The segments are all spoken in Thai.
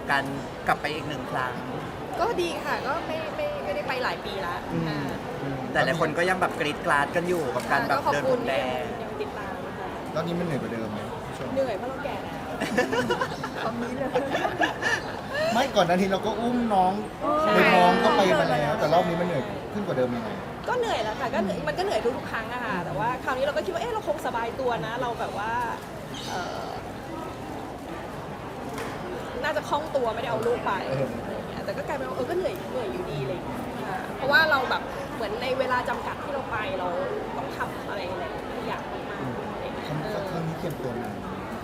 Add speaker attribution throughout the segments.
Speaker 1: การกลับไปอีกหนึ่งครั้ง
Speaker 2: ก็ดีค่ะก็ไม่ได้ไปหลายปีแล้ว
Speaker 1: แต่หลายคนก็ยังแบบกรีดกราดกันอยู่กับการแบบเดินพรมแดง
Speaker 2: ยังติดตามค่ะ
Speaker 3: ตอนนี้มันเหนื่อยกว่าเดิมไหม
Speaker 2: เหนื่อยเพราะเราแก่แล้วตอนนี้เลย
Speaker 3: ไม่ก่อนหน้านี้เราก็อุ้มน้องไปท้องก็ไปมาแล้วแต่รอบนี้มันเหนื่อยขึ้นกว่าเดิมยังไง
Speaker 2: ก็เหนื่อยแล้วค่ะก็เหนื่อยมันก็เหนื่อยทุกครั้งอะค่ะแต่ว่าคราวนี้เราก็คิดว่าเราคงสบายตัวนะเราแบบว่าน่าจะคล่องตัวไม่ได้เอาลูกไปอะไรอย่างเงี้ยแต่ก็กลายเป็นว่าก็เหนื่อยอยู่ดีเลยเพราะว่าเราแบบเหมือนในเวลาจำกัดที่เราไปเราต้องทำอะไรหลายอย่างมาก
Speaker 3: ครั้งนี้เตรียมตัวนาน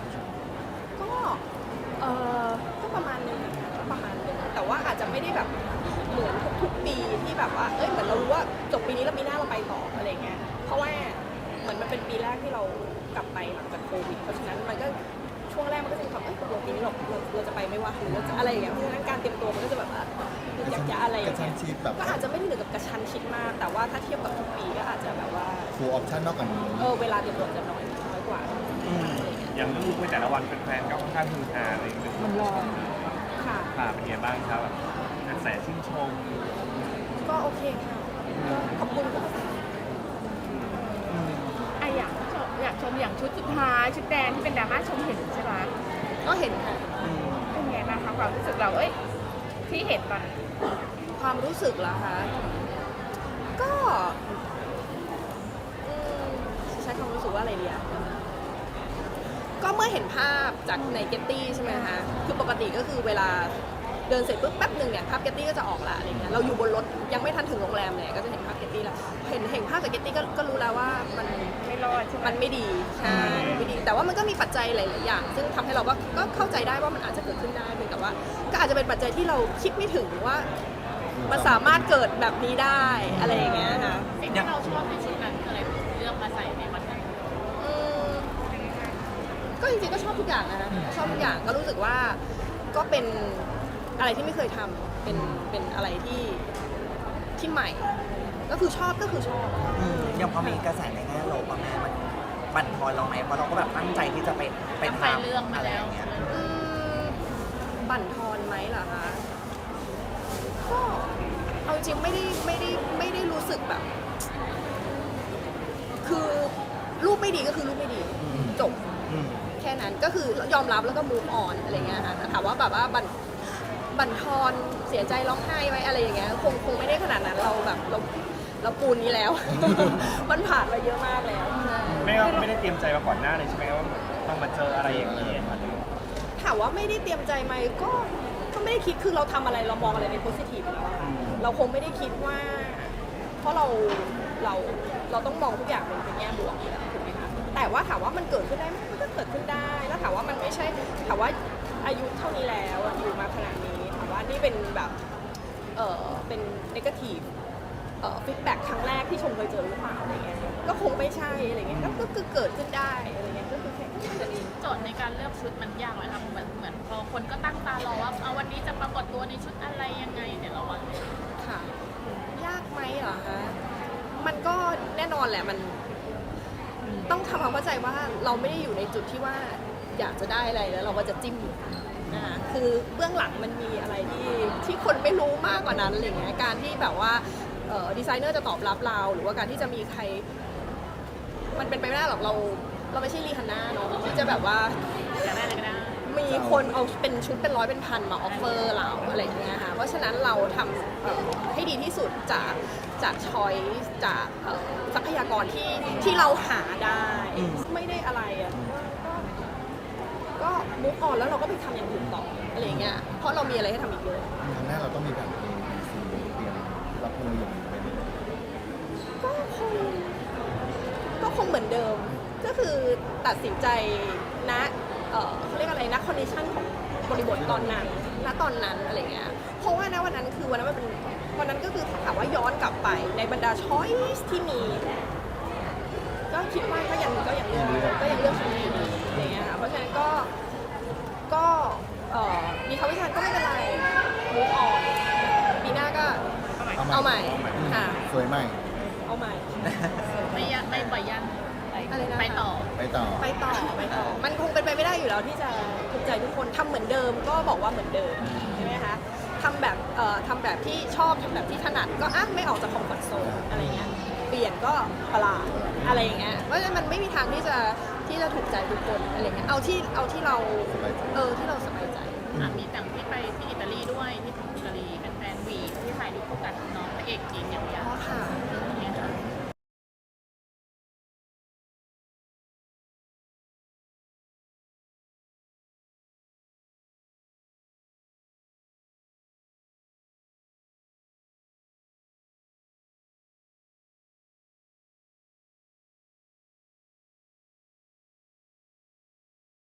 Speaker 2: ก็ประมาณนึงแต่ว่าอาจจะไม่ได้แบบเหมือนทุกปีที่แบบว่าเหมือนเรารู้ว่าจบปีนี้แล้วปีหน้าเราไปต่ออะไรเงี้ยเพราะว่าเหมือนมันเป็นปีแรกที่เรากลับไปหลังจากโควิดเพราะฉะนั้นมันก็ช่วงแรกมันก็จะมีความตกลงปีนี้เราจะไปไม่ว่าหรือว่าจะอะไรอย่างเงี้ยเพราะฉะนั้นการเตรียมตัวมันก็จะแบบอยากจะอะไรอย่างเงี้ยก็อาจจะไม่ได้ถึงกับกระชั้นชิดมากแต่ว่าถ้าเทียบกับทุกปีก็อาจจะแบบว่า
Speaker 3: ฟูลออปชั่นนอกจากนี้
Speaker 2: เวลาเตรียมตัวจะน้อยกว่า
Speaker 4: อย่างลูกในแต่ละวันเป็นแฟนก็ค่อนข้างฮือฮาอะไรอย่างเงี้ย
Speaker 2: มันรอค่ะ
Speaker 4: เป็นไงบ้างครับแบบกระแสชื่นชม
Speaker 2: ก็โอเคค่ะขอบคุณค่ะ
Speaker 5: อยากชมอย่างชุดสุดท้ายชุดแดงที่เป็นดราม่าชมเห็นใช่ไหม
Speaker 2: ก็เห็นค่ะ
Speaker 5: เป็นไงบ้างคะความรู้สึกเราที่เห็นตอน
Speaker 2: ความรู้สึกเหรอคะก็ใช้ความรู้สึกว่าอะไรดีอะก็เมื่อเห็นภาพจากในเกตตี้ใช่ไหมคะคือปกติก็คือเวลาเดินเสร็จปุ๊บแป๊บหนึ่งเนี่ยภาพเกตตี้ก็จะออกละอะไรเงี้ยเราอยู่บนรถยังไม่ทันถึงโรงแรมเลยก็จะเห็นภาพเกตตี้แล้วเห็นภาพจากเกตตี้ก็รู้แล้วว่ามัน
Speaker 5: ไม่รอด
Speaker 2: มันไม่ดีใช่ไม่ดีแต่ว่ามันก็มีปัจจัยหลายๆอย่างซึ่งทำให้เราก็เข้าใจได้ว่ามันอาจจะเกิดขึ้นได้เพียงแต่ว่าก็อาจจะเป็นปัจจัยที่เราคิดไม่ถึงว่ามันสามารถเกิดแบบนี้ได้อะไรอย่างเงี้ยค่ะ
Speaker 5: สิ่งที่เราชอบในชุดนั้นอะไรเลือกมาใส่ในวันนั้น
Speaker 2: ก็จริงๆก็ชอบทุกอย่างนะชอบทุกอย่างก็รู้สึกว่าก็เป็นอะไรที่ไม่เคยทำเป็นอะไรที่ใหม่ก็คือชอบ
Speaker 1: ยังพอมีกระแสในแง่ลบแม่มันบั่นทอนเราไหมเพราะเราก็แบบตั้งใจที่จะไปทำ
Speaker 5: เรื่องมาแล้ว
Speaker 2: บั่นทอนไหมเหรอคะก็เอาจริงไม่ได้รู้สึกแบบคือรูปไม่ดีก็คือรูปไม่ดีจบแค่นั้นก็คือยอมรับแล้วก็ move on อะไรเงี้ยค่ะถามว่าแบบว่าบั่นทอนเสียใจร้องไห้ไหมอะไรอย่างเงี้ยคงไม่ได้ขนาดนั้นเราแบบเราปูนนี้แล้ว มันผ่านมาเยอะมากแล้ว
Speaker 4: ไม่ได้เตรียมใจมาก่อนหน้าเลยใช่ไหมว่าต้องมาเจออะไรอย่างนี้
Speaker 2: ถามว่าไม่ได้เตรียมใจไหมก็ไม่ได้คิดคือเราทำอะไรเรามองอะไรในโพสิทีฟแล้วเราคงไม่ได้คิดว่าเพราะเราต้องมองทุกอย่างเป็นแง่บวกถูกไหมคะแต่ว่าถามว่ามันเกิดขึ้นได้ไหมมันก็เกิดขึ้นได้แล้วถามว่ามันไม่ใช่ถามว่าอายุเท่านี้แล้วอยู่มาขนาดนี้ถามว่านี่เป็นแบบเป็น negative feedback ครั้งแรกที่ชมเคยเจอหรือเปล่าอะไรเงี้ยก็คงไม่ใช่อะไรเงี้ยก็คือเกิดขึ้นได้อะไรเงี้ยก็คือแค่นั้นเอง
Speaker 5: โจทย์ในการเลือกชุดมันยากไหมคะเหมือนพอคนก็ตั้งตารอว่าวันนี้จะปรากฏตัวในชุดอะไรยังไงเนี่ยเรา
Speaker 2: ค่ะยากไหมเหรอคะมันก็แน่นอนแหละมันต้องทำความเข้าใจว่าเราไม่ได้อยู่ในจุดที่ว่าอยากจะได้อะไรแล้วเราก็จะจิ้มนะคะคือเบื้องหลังมันมีอะไรที่คนไม่รู้มากกว่านั้นอะไรเงี้ยการที่แบบว่าดีไซเนอร์จะตอบรับเราหรือว่าการที่จะมีใครมันเป็นไปไม่ได้หรอกเราไม่ใช่รีฮันน่าเนาะที่จะแบบว่ามีคนเอาเป็นชุดเป็นร้อยเป็นพันมาออฟเฟอร์เราอะไรอย่างเงี้ยค่ะเพราะฉะนั้นเราทำให้ดีที่สุดจากช้อยจากทรัพยากรที่เราหาได้ไม่ได้อะไรอ่ะก็มุกออนแล้วเราก็ไปทำอย่างอื่นต่ออะไรอย่างเงี้ยเพราะเรามีอะไรให้ทำอีกเยอะ
Speaker 3: ครั้งหน้าเราต้องมีแบบเตรียมรับมืออย่างไร
Speaker 2: ก็คงเหมือนเดิมก็คือตัดสินใจนะเขาเรียกอะไรนะคอนดิชันของบริบทตอนนั้นอะไรเงี้ยเพราะว่านะวันนั้นคือวันนั้นมันเป็นวันนั้นก็คือถามว่าย้อนกลับไปในบรรดาช้อยส์ที่มีก็คิดว่าก็ยังเลือกชุดนี้อะไรเงี้ยค่ะเพราะฉะนั้นก็มีคำวิจารณ์ก็ไม่เป็นไรมูฟออนปีหน้าก็เอาใหม่ค่ะ
Speaker 3: สวยใหม่
Speaker 2: เอาใหม่
Speaker 5: ไม่บ่อยยัน
Speaker 2: อะไรนะ
Speaker 5: ไปต่อ
Speaker 3: ไปต่อ
Speaker 2: ไปต่อ มันคงเป็นไปไม่ได้อยู่แล้วที่จะถูกใจทุกคนทำเหมือนเดิมก็บอกว่าเหมือนเดิมใช่ไหมคะทำแบบที่ชอบทำแบบที่ถนัดก็ไม่ออกจากคอมฟอร์ทโซนอะไรเงี้ยเปลี่ยนก็ประหลาดอะไรอย่างเงี้ยเพราะฉะนั้นมันไม่มีทางที่จะถูกใจทุกคนอะไรเงี้ยเอาที่เรา
Speaker 3: สบายใจ
Speaker 2: ที่เราสบายใจ
Speaker 5: มีแต่งที่ไปที่อิตาลีด้วยที่อิตาลีเป็นแฟนวีที่ถ่ายรูปคู่กันน้องพระเอกจริงอย่างเดียว
Speaker 2: อ๋อค่ะ